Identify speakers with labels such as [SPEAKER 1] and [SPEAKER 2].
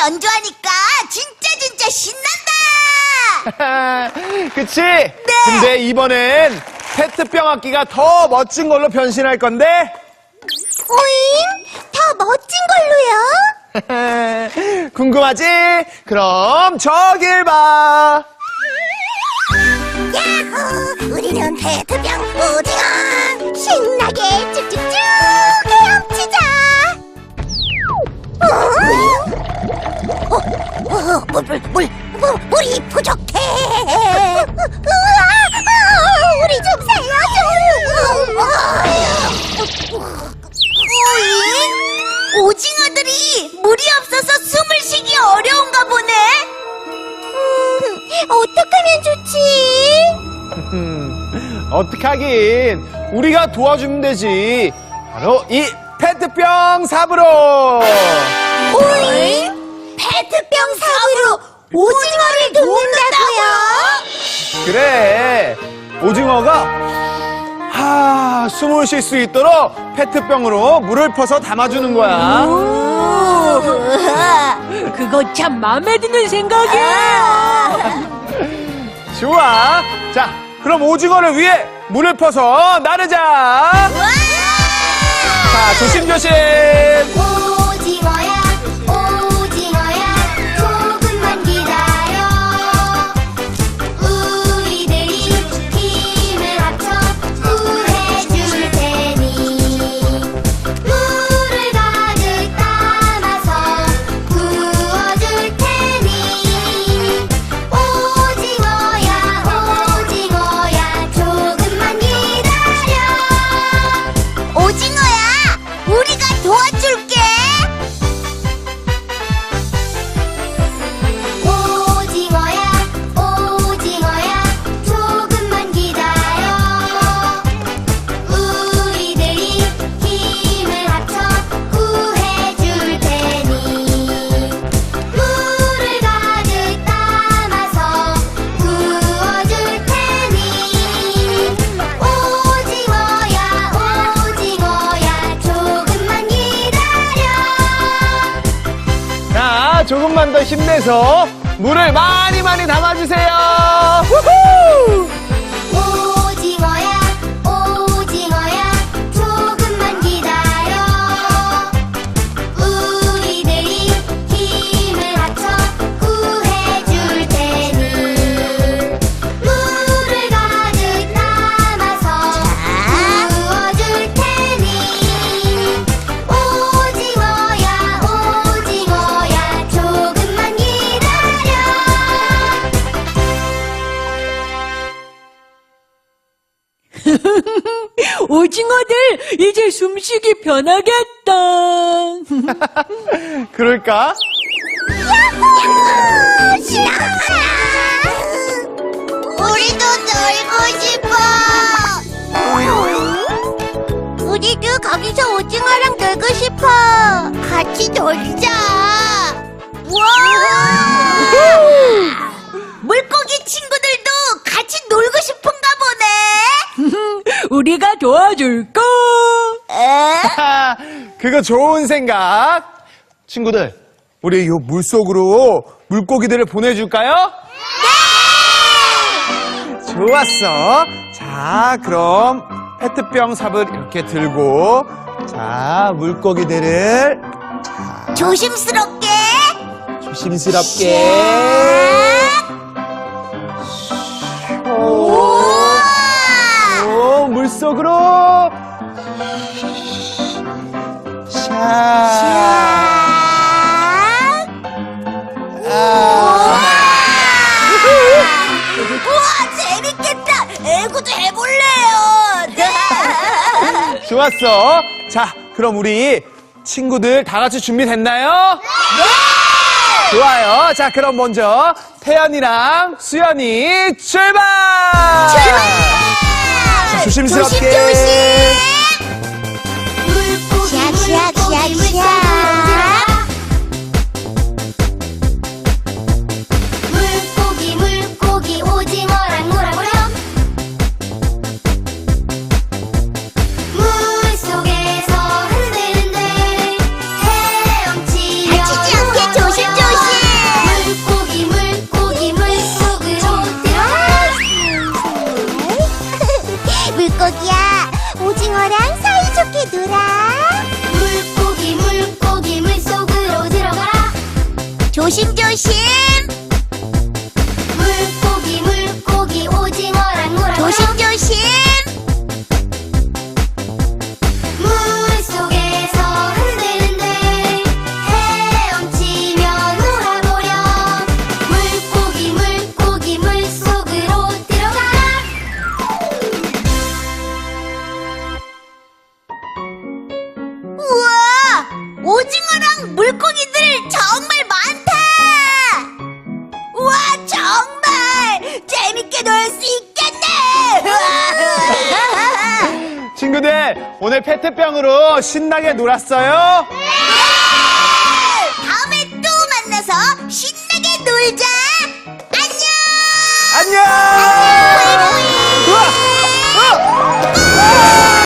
[SPEAKER 1] 연주하니까 진짜 신난다!
[SPEAKER 2] 그치? 네. 근데 이번엔 페트병 악기가 더 멋진 걸로 변신할 건데?
[SPEAKER 1] 오잉? 더 멋진 걸로요?
[SPEAKER 2] 궁금하지? 그럼 저길 봐.
[SPEAKER 1] 야호! 우리는 페트병 오징어! 신나게 쭉쭉쭉 헤엄치자! 물이 부족해! 우리 좀 살려줘! 오징어들이 물이 없어서 숨을 쉬기 어려운가 보네? 어떡하면 좋지?
[SPEAKER 2] 어떡하긴. 우리가 도와주면 되지. 바로 이 페트병 삽으로.
[SPEAKER 1] 오잉? 페트병 삽으로 오징어를 돕는다고요?
[SPEAKER 2] 그래. 오징어가 숨을 쉴 수 있도록 페트병으로 물을 퍼서 담아주는 거야.
[SPEAKER 3] 그거 참 마음에 드는 생각이에요.
[SPEAKER 2] 좋아. 자, 그럼 오징어를 위해 물을 퍼서 나르자. 자, 조심조심.
[SPEAKER 1] 오징어야 오징어야 조금만 기다려 우리들이 힘을 합쳐 구해줄 테니 물을 가득 담아서 구워줄 테니 오징어야 오징어야 조금만 기다려 오징어야 우리가 도와줄게. 오징어야, 오징어야, 조금만 기다려. 우리들이 힘을 합쳐 구해줄 테니 물을 가득 담아서 구워줄 테니 오징어야, 오징어야, 조금만 기다려.
[SPEAKER 2] 자, 조금만 더 힘내서 물을 많이 담아주세요. 우후!
[SPEAKER 1] 오징어야, 오징어야, 조금만 기다려. 우리들이 힘을 합쳐 구해줄 테니 물을 가득 담아서 구워줄 테니 오징어야, 오징어야, 조금만 기다려.
[SPEAKER 3] 오징어들 이제 숨쉬기 편하겠다.
[SPEAKER 2] 그럴까?
[SPEAKER 1] 우리도 놀고 싶어. 우리도 거기서 오징어랑 놀고 싶어. 같이 놀자. 와! 물고기 친구들도 같이 놀고 싶은가 보네.
[SPEAKER 3] 우리가 도와줄까?
[SPEAKER 2] 그거 좋은 생각. 친구들, 우리 이 물속으로 물고기들을 보내줄까요? 네! 좋았어. 자, 그럼 페트병 삽을 이렇게 들고 자, 물고기들을
[SPEAKER 1] 조심스럽게.
[SPEAKER 2] 조심스럽게 오, 물속으로
[SPEAKER 1] 우와, 재밌겠다. 애구도 해볼래요.
[SPEAKER 2] 좋았어. 자, 그럼 우리 친구들 다 같이 준비됐나요? 네! 좋아요. 자, 그럼 먼저 태연이랑 수연이 출발! 자, 조심스럽게.
[SPEAKER 1] 조심. 샤샤샤샤. 물고기 물고기 오징어랑 놀아보렴. 물속에서 흔들흔들 헤엄치려. 다치지 않게 조심조심. 조심.
[SPEAKER 4] 물고기 물고기 오징어랑 놀아
[SPEAKER 1] 조심.
[SPEAKER 4] 물속에서 흔들흔들 헤엄치며 놀아보렴. 물고기 물고기 물속으로 들어가라.
[SPEAKER 1] 우와, 오징어랑 물고기들 정말 많다. 우와, 정말 재밌게 놀 수 있겠네.
[SPEAKER 2] 친구들, 오늘 페트병으로 신나게 놀았어요?
[SPEAKER 1] 네!